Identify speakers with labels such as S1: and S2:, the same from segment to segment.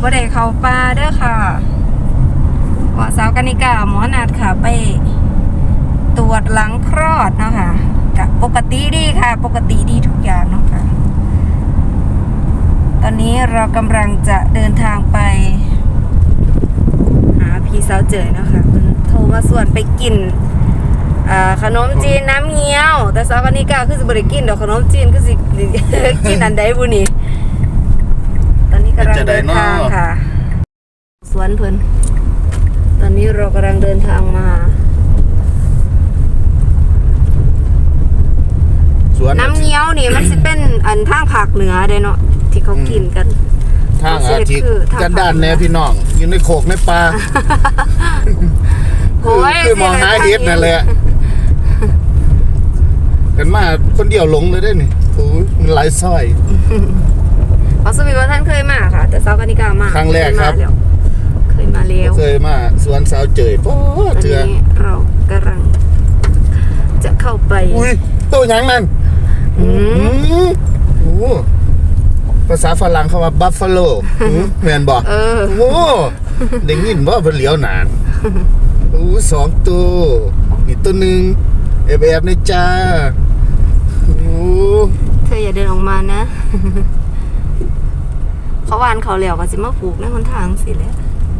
S1: บ่ได้เข้าป่าเด้อค่ะว่าสาวกนิกาหมอนัดค่ะไปตรวจหลังคลอดเนาะค่ะกับปกติดีค่ะปกติดีทุกอย่างเนาะค่ะตอนนี้เรากำลังจะเดินทางไปหาพี่สาวเจยเนาะค่ะมันโทรมาส่วนไปกินขนมจีนน้ำเงี้ยวแต่สาวกนิกาคือสิบ่ได้กินดอกขนมจีนคือสิกินอันใดบุนี่ตอนนี้กำลังเดินทางค่ะสวนเพิ่นตอนนี้เรากำลังเดินทางมาน้ำเงี้ยวนี่มันสิเป็นอันทางภาคเหนือเด้เนาะที่เขากินกัน
S2: ทางอาทิตย์กันด้านแนวพี่น้องอยู่ในโขกในป่าคือมองหาเห็ดนั่นแหละกันมาคนเดียวหลงเลยได้นี่โอ้ยมันหลายซอย
S1: สวีว่าท่านเคยมาค่ะแต่สาวกนิกามา
S2: ครั้งแรกครับ
S1: เคยมาแล้ว
S2: เคยมาสวนสาวเจยโอ้เถื่อ
S1: เรากำลังจะเข้าไป
S2: อุ้ยตัวยังนั่นโอ้ภาษาฝรั่งเขาว่าบัฟฟาโลแม่นบอกโอ้ได้ยินว่าเพิ่นเหลียวนานโอ้2ตัวนี่ตัวนึงแอบๆในจ้าโอ้
S1: เธออย่าเดินออกมานะเขาวานเขาเหลียวก็สิมาปลูกในหนทางสิแหละ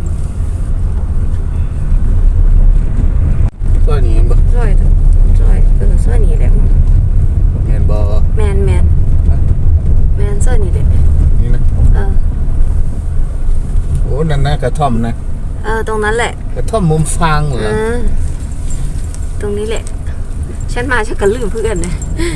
S2: ซอยนี้บ่
S1: ซอยซอยนี้แหละ
S2: แม่นบ่
S1: แม่นซอยนี้แหละ
S2: นี่นะโอ้นั่นนะกระท่อมนะ
S1: ตรงนั้นแหละ
S2: กระท่อมมุมฟางเหรอ
S1: ตรงนี้แหละฉันมาฉันก็ลืมเพื่อนนะ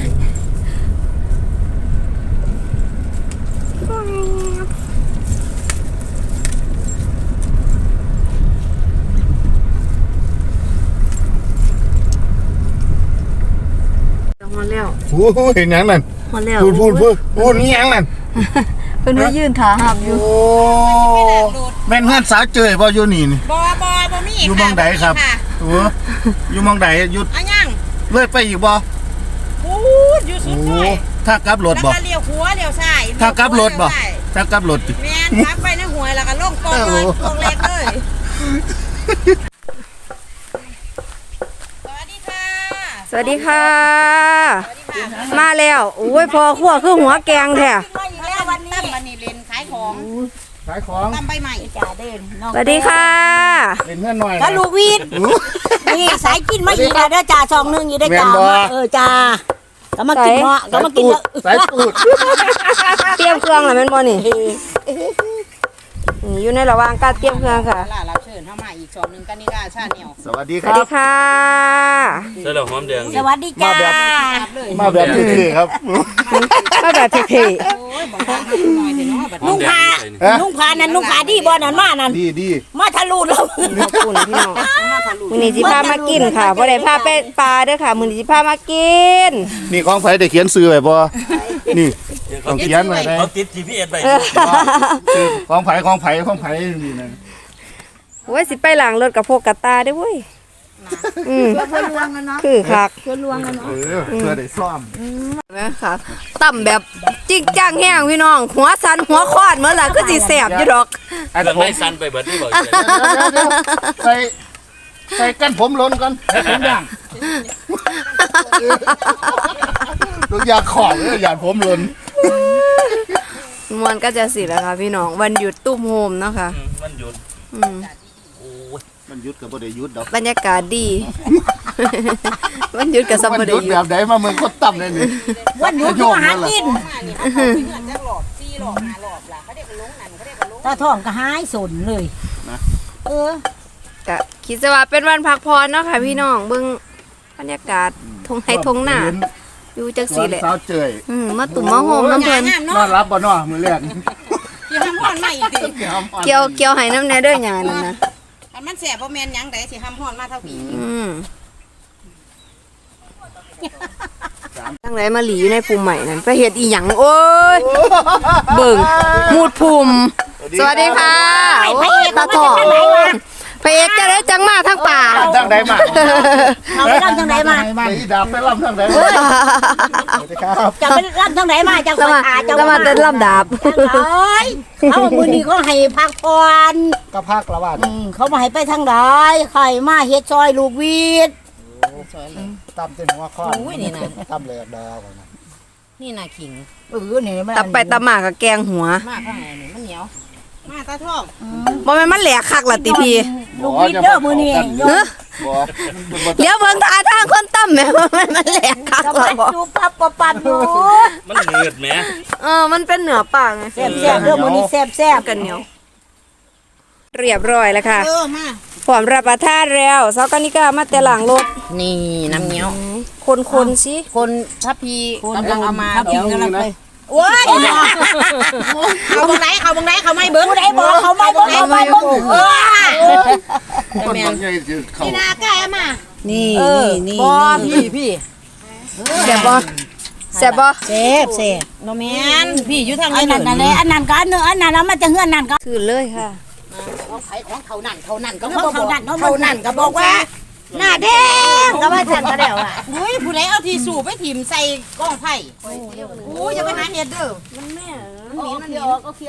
S1: ฮอนแล้ว
S2: โอ้เห็นยังนั่น
S1: ฮอนแล้ว
S2: พูดนี่ยังนั่น
S1: เพิ่นว่ายืนขาหับอยู่
S2: โอ้แม่นเพื่อนสาวเจยบ่อยู่นี่นี่
S3: บ่มี
S2: อยู่มองใดครับโอ้อยู่มองใดหยุด
S3: อันยัง
S2: เลื่อยไปอีกบ่
S3: พูดอยู่สุดเลย
S2: ถ้ากลับรถบ่
S3: แล้วก็เลี้ยวขวาเลี้ยวซ้าย
S2: ถ้ากลับรถบ่ถ้ากลับรถ
S3: แม่นขับไปในห้วยแล้วก็ลงกองเลยกองเล็กเลย
S1: สวัสดีค่ะมาแล้วโอ้ยพอขั้วคือหัวแกงแท้
S3: แล้ววันนี้เล่นขายของตำใบใหม่จ่าเดิน
S1: สวัสดีค่ะ
S2: เล่นเพื่อนหน่อย
S3: ก็ลูกวีดนี่สายกินมาอีกแล้วเด้อจ่า2 1อยู่ได้จ่าจ่าก็มากินเนาะก็มากิน
S2: สายตูด
S1: เตรียมเครื่องแล้วแม่นบ่นี่อยู่ในระหว่างการเตรียมเครื่องค่ะ
S3: รับเชิญเข้ามาอีก2 1กนิกาชาแนล
S2: สวัสดี
S1: ครับสวัสดีค่ะ
S4: ใส่เหล่าหอมแดง
S3: สวัสดีจ้า
S2: มาแบบเท่ๆครับ
S1: มาแบบเท่
S3: ๆนุ่งผ้านั่นนุ่งผ้าดีบ่นั่นมานั่น
S2: ดี
S3: มาทะลุแล้ว
S1: ขอบคุณพี่น้องมื้อนี้สิพามากินค่ะบ่ได้พาไปปลาเด้อค่ะมื้อนี้สิพามากิน
S2: นี่ของไผได้เขียนชื่อไว้บ่นี่ต้องเขียนไว้ได้
S4: เอาติด GPS ไว้
S2: ของไผนี่นะ
S1: โอ้ยสิไปล้างรถกับพวกกระตาเด้อเว้ย
S3: เพื่อลวงกันเนาะ
S1: คือคัก
S3: เพื่อลวงกันเนาะ
S2: เพื่อได้ซ่อม
S1: แม่ค่ะต่ำแบบจริงจังแห้งพี่น้องหัวสันหัวคอดเหมือนล่ะคือสิแสบอยู่ดอก
S4: อันนั้นไม่สันไปเบิดนี่บ่
S2: ใส่กันผมล้นกันผมย่างลูกอยากขอบเลยอยากผมล้น
S1: มันก็จะสิแล้วค่ะพี่น้องวันหยุดตุ้มโฮมเนาะค่ะ
S4: วันหยุด
S2: มันหยุดกับบ่ได้หยุดดอก
S1: บรรยากาศดีวันหยุดกับสบาย
S2: ดีแบบไหนมาเมืองคนต่ำเลยนี่
S3: วันหยุดก็หากินถ้าท้องก็หายสนเลย
S2: นะ
S1: ก็คิดว่าเป็นวันพักผ่อนเนาะค่ะพี่น้องเบิ่งบรรยากาศทงไห้ทงหน้าอยู่จังซี่แหละ
S2: สาวเจย
S1: มาตุ่มมาโฮมน้ำเพิ่น
S2: นอนรับบ่เนาะมื้อแรก
S3: สิห้ำฮ้อนมาอีกติ
S1: เกี่ยวให้น้ำแน่เด้อหยังนั่นนะ
S3: อันมันแสบบ่แม่นหยังไดสิห้ำฮ้อนมาเท่าปี
S1: จังไดมาหลีอยู่ในภูมิใหม่นั่นไปเฮ็ดอีหยังโอ้ยเบิ่งมูดภูมิสวัสดีค่ะโอ้ยตาทองพระเอกจะได้จังมาทั้งป่า
S2: ดังางใดมา
S3: เอาไปร่ำทางไหนมา
S2: ไปดาบไปลำทางใดมาสวัสดีครับ
S3: จะไปร่ำทางไหนมาจะ
S1: จะ
S3: ไป
S1: มา
S3: หา
S1: จะมาเต้นลำดาบ
S3: เอ้ยเอามือนี้เขาให้พักผ่อน
S2: ก็ภาคละบาท
S3: เขามาให้ไปทางไหนใครมาเฮ็ดซอยลูกวีด
S2: ตำเต็มหัวข้อ
S3: อุ้ยนี่นะ
S2: ตำเลยดาวนะ
S3: นี่น่ะขิงนี่มัน
S1: ตับไปตำหมากกับแกงหัว
S3: มากข้างในนี่มันเหนียวมาตาทอง
S1: บ่แม่นมันแหลกคักล่ะติพี่
S3: ลูกวีดเด้อมือนี้
S1: เฮ้อเดี๋ยวเบิ่งท่าทางคนตั้มแหม่ว่ามันแหลกคัก
S3: กำ
S1: ล่ะ
S3: ลัง
S1: บ่
S3: ดูปับปับปับอยู่
S4: มันเหนืดแหม
S1: มันเป็นเหนือปากไง
S3: แซ่บแซ่บเด้อมือนี้แซ่บแซ่บ
S1: กันเหนียวเรียบร้อยแล้วค่ะ
S3: มา
S1: พร้อมรับประทานแล้วเซากานิกามาแต่หลังรถ
S3: นี่น้ำเหนียว
S1: คนๆสิ
S3: คนทัพพีกำลังเอามาเดี๋ยวกำลังไปโอ้ยเขาบังไหนเขาไม่เบิ้งผู้ใดบอกเขาไม่เบิ้งเขาไม่เบิ้ง
S2: คนบางใหญ่จะเข้า
S3: นี่นาใกล้เอามานี่
S1: บ่พี่แซ่บบ่แซ่บบ่
S3: เซฟโนแมนพี่อยู่ทางนั้นนั่นแหละอันนั้นก็อันนึงอันนั้นแล้วมันจะเฮือนนั่นก็
S1: คือเลยค่ะ
S3: ของไผของเขานั่นก็เขานั่นก็บอกว่าหน้าแดงก็ว่าฉันก็แล้วอ่ะ
S5: อุ้ยผู้ใดเอาที่สูบไปถิ่มใส่กล้องไผ่อู้อย่าไปหาเฮ็ดเด้อ
S3: มันเคี้ยวก็เคี้ยว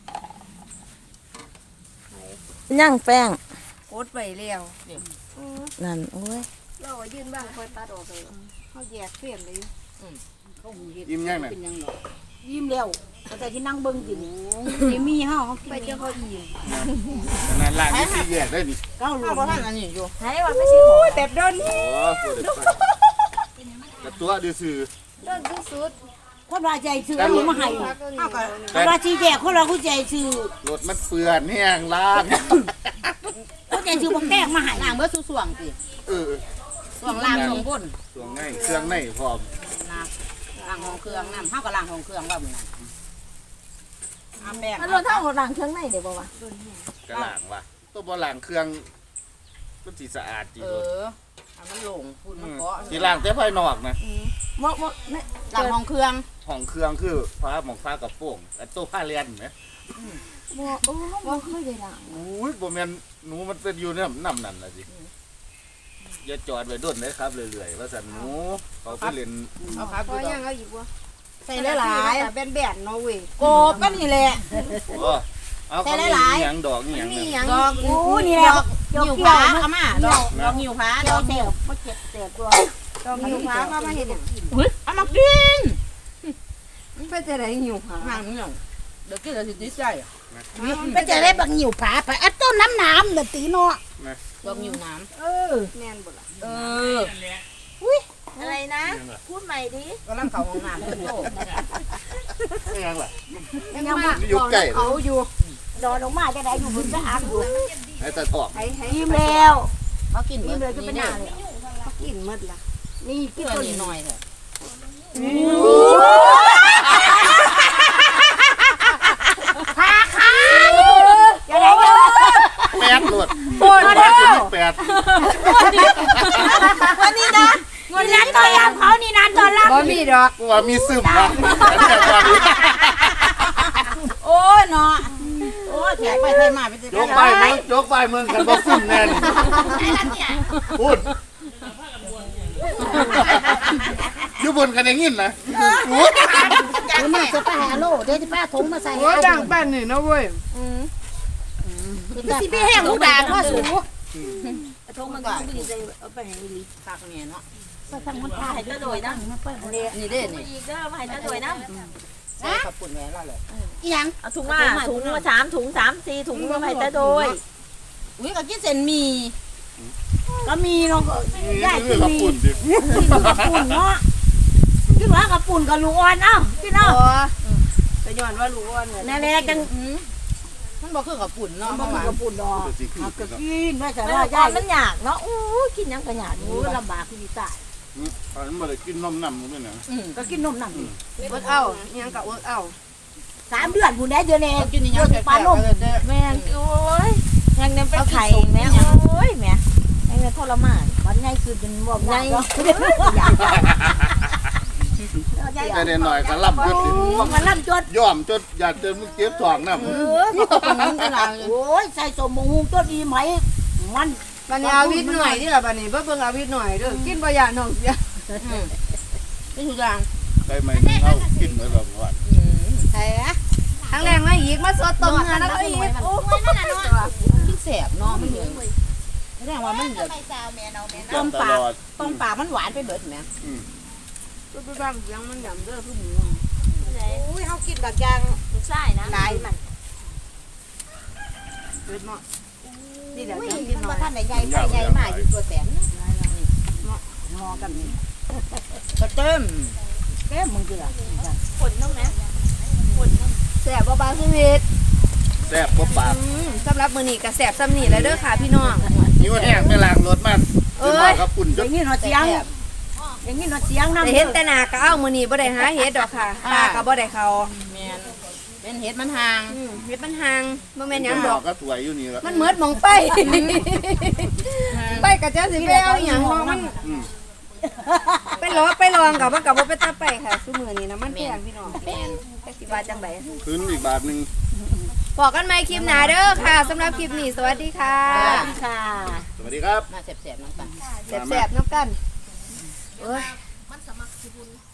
S5: ย่างแป้ง
S1: โคตรไปแล้ว
S5: นั่นโอ้ย
S1: เรายืนบ้างคอยตัดออกเลยเขาแยกเปลี่ยนเลย
S2: ยิ้มยังไง
S3: ยิ้มแล้วแต่ที่นั่งเบิ้งกินนี่มีเฮา
S1: ไปเจ้าเขาอีก
S2: นั่นล่างนี่สิแยกได้ดิ
S3: เก้าลู
S5: ข้าว
S3: ก
S5: บ่ทันอันนี้อยู่
S1: ให้ว่าไม่ใช่โอ้ยแบบโดน
S2: โอ้ตัวเด็กแต่ตัวดื้อซื่อ
S1: โดนสุด
S3: คนว่าใจซื้อเอามาให้
S5: ข้าวก็
S3: คนว่าสิแจกคนเราผู้ใจซื้อ
S2: รถมันเปื้อนแห้งล้าง
S3: คนใจซื้อบ่แป้งมาให้
S5: ล้างเบิดสู่ส่วงสิ
S2: เออ
S5: ส่วงล้างส่วงบน
S2: ส่วงในเครื่องในพร้อม
S5: นะล้างของเครื่องน้ำเฮาก็ล้างของเครื่องว่ามื้อนั้นเอาแป้ง
S3: มันรถเท่ากับรังเครื่องในเดี๋ยวบ่วะ
S2: กระหล่างว่ะตัวบ่หล่างเครื่องมันสิสะอาดจี
S5: เอ
S2: รถ
S5: อเอามันโล่งพูดมันเกาะ
S2: สิหล่างแต่ภายนอกนะ
S3: บ่นี่
S5: ล้างของเครื่อง
S2: ห้องเครื่องคือฟ้าหมองฟ้ากับโป่งแต่ตัวผ้าเลียนไหม
S3: บ่โอ้บ่เคยได้ล้าง
S2: อุ้ยบ่แม่นหนูมันเป็นอยู่น้ำนั่นล่ะสิอย่าจอดไว้ด้นเลยครับเรื่อยๆว่าสันหนูเขาไปเล่น
S5: เอาครับ
S1: พ
S5: ดู
S1: อ
S5: ด
S1: ยั
S5: อง ก
S1: เอาอีกวะ
S5: ใส่หลาย
S1: แบนๆเนาะเว้ย
S5: ๆโกบก็นี่แหละ
S2: โอ้เอาเขามีอหย่างดอกอหย่าง
S1: นี่
S2: นั้น
S1: หยัง
S5: ดอก
S3: โอ้นี่แหละ
S5: หิวผาเอามาดอกหิวผาดอก
S3: เสียบบ่เจ็บเสียบตัว
S1: ดอกหิวฟ้าเข้ามาเห็น
S5: เอามากิน
S1: ไปจะได้หิวฟ้า
S5: ห่างนี่หยังเดี๋ยวกินแล้วสิติดใจ
S3: ไปจะได้บักหิวผาไปอัดต้นน้ำเด้อตีเนาะ
S5: ดอกหิวน้ำ
S1: แม่นบ่ล่ะ
S5: เออ
S1: อะไรนะพูดใหม่ดิ
S5: กำลังเข้าห้องน้ำเพิ่นโต
S2: ไม่ยังล่ะ
S3: ยังบ่
S2: อยู่ใกล้
S1: เอาอยู่
S3: ดอนออกมาจะได้อยู่บนสะอาดอยู่
S2: ไอ้ตาทอง
S1: ให้
S3: ยิ้มแล้ว
S5: เขากิน
S3: ยิ้มเลยจะเป็นหน้าเลย
S1: กินหมดล่ะ
S3: นี่
S5: กิ
S3: กิ
S5: น
S3: น
S5: ตัว
S3: ตัว
S5: นี้
S3: นี้
S5: หน่อยเถอะ
S3: จะได้เยอะ
S2: แปดหลดโอ้ยแปด
S3: วันนี้นะวันนี้ตอนรับเขานี่นานตอนรับ
S1: บ่มีดอก
S2: กูว่ามีซึมนะแต่ตอนนี้
S5: โอ้ยเนาะโอ้ยแขกไปไทยมาไปเจอย
S2: กไปมึงยกไปมึงกันบ่ซึมแน่นพูดอยู่บนกันอย่างงี้นะ
S3: คุณแม่จะไปหาโลเดี๋ยวจะป้าถุงมาใส่
S1: โอ้ดังแป้นนี่นะเว้ย
S3: สิพี่แห้งลูกด่างว่าสูง
S5: ทุกมันก็เอาไปให้ลิคักเนี่ยเนาะ
S3: ทางมันพาให้ตะโดยนะ
S5: นี่เด้นี่
S3: อีกเด้อมาให้ตะโดยนะ
S5: ใส่ขับปุ่นแหวนแล้วเลย
S3: อีหยัง
S6: เอาถุงมา3 ถุง 3 4 ถุงมาให้ตาโดย
S5: อุ้ยก็กินเส้นหมี่
S3: ก็มีเนาะ
S2: นี่คือละปุ่นดิ
S3: ปุ่นเนาะกินว่ากับปุ่นกับลูกอ่อนเอ้ากินเอ้า
S1: แต่ย้อนว่ารู้ว่าเนี่ย
S3: นั่นแหละจัง
S5: มันบ่คือขับปุ่นเนาะ
S3: บ่มีกับปุ่นดอก
S2: สิคือ
S3: ก็กินว่าจะ
S6: มัน
S3: ว่า
S6: ก่
S3: ยา
S6: อย นมันยากเนาะอู้กินหยังก็ยาก
S3: โอ้ลำบากคือตาย
S2: อันบ่ได้กินนมน้ำมึงเนี่ย
S3: ก็กินนมนั่น
S1: เวิร์กเอายังกับเวิร์กเอา
S3: 3 เดือนผู้ใดเดือนนี้
S5: กินนี่ยังแปลกๆเด้อ
S6: แม่งโอ้ยแม่งเนี่ยเป็นไข่แม่โอ้ยแม่แม่งเนี่ยทรมาน
S3: วันไงคือเป็นบ่ใหญ่
S2: แต่เด็กหน่อยก็ล่ำจด
S3: มันล่ำจด
S2: ย่อมจดอยากเจอมึงเก็บทองน้ำ
S5: มันก็เป็นเวลา
S3: โอ้ยใส่สมมุงตัวดีไหมมัน
S1: บัดนี้เอาวิทย์หน่อยที่ล่ะบัดนี้เบิ่งเอาวิทย์หน่อยเด้อกินบ่ย่านท้องเสีย
S5: นี่ทุกอย่าง
S2: ใครไม่เอากินเลยแบบว่า
S5: ใช่อะ
S1: ทั้งแรงมาอีกมาสดต้มเนื้อแล้วก็อีกโอ้
S5: กินแสบเนาะมันเหนื่อยแสดงว่ามันเหนื่อยต้มปากมันหวานไปเบิดแม่
S1: ก็ไปบ้างเสียงมันหย่ำเด้อคือหมู
S5: อุ้ยเฮากินแบบยาง
S6: ลูกชายนะ
S5: หลายมัน
S1: เบิดเหมาะนี่แหละ
S5: อุ้ย
S1: จังกิน
S5: มัน
S1: หน่
S5: บ่
S1: อย
S5: ทันได้ใหญ่ไปใหญ่มาอยู่ตัวแสนงอกันนี่ก็เต็มมึงคือล่ะ
S6: ฝนน้องนะฝนน้อง
S1: แซ่บบ่บางชีวิต
S2: แซ่บบ่ปาก
S1: สำหรับมื้อนี้ก็แซ่บซ้ำนี่แหละเด้อค่ะพี่น้อง
S2: นิ้วแห้งไม่ล้างรถมันครับปุ่น
S5: อย่างนี้เนาะเสียงอย่างนี้เนาะเสียงนำ
S1: แต่เห็นแต่หน้าก็เอามื้อนี้บ่ได้หาเฮ็ดดอกค่ะตาก็บ่ได้เข้า
S5: แม่นเป็นเห็ดมันห่าง
S1: เฮ็ดมันห่างบ่แม่นหยังดอก
S2: ก็ถวยอยู่นี่ละ
S1: มันเหมือนหมองไป ไปก็จะสิไปเอาหยังเนาะมันไปลองกับมันก็บ่ไปตาไปค่ะซุมื้อนี้นะมันแพงพี่น้อง
S5: แม่น
S1: จักสิว่าจังได
S2: คืนอีกบาทนึง
S1: บอกกันใหม่คลิปหน้าเด้อค่ะสำหรับคลิปนี้สวัสดีค่ะ
S5: ค่ะ
S2: สวัสดีครับ
S5: มาแสบๆน้ำตาล
S1: แซ่บๆน้ำกันเอ้ย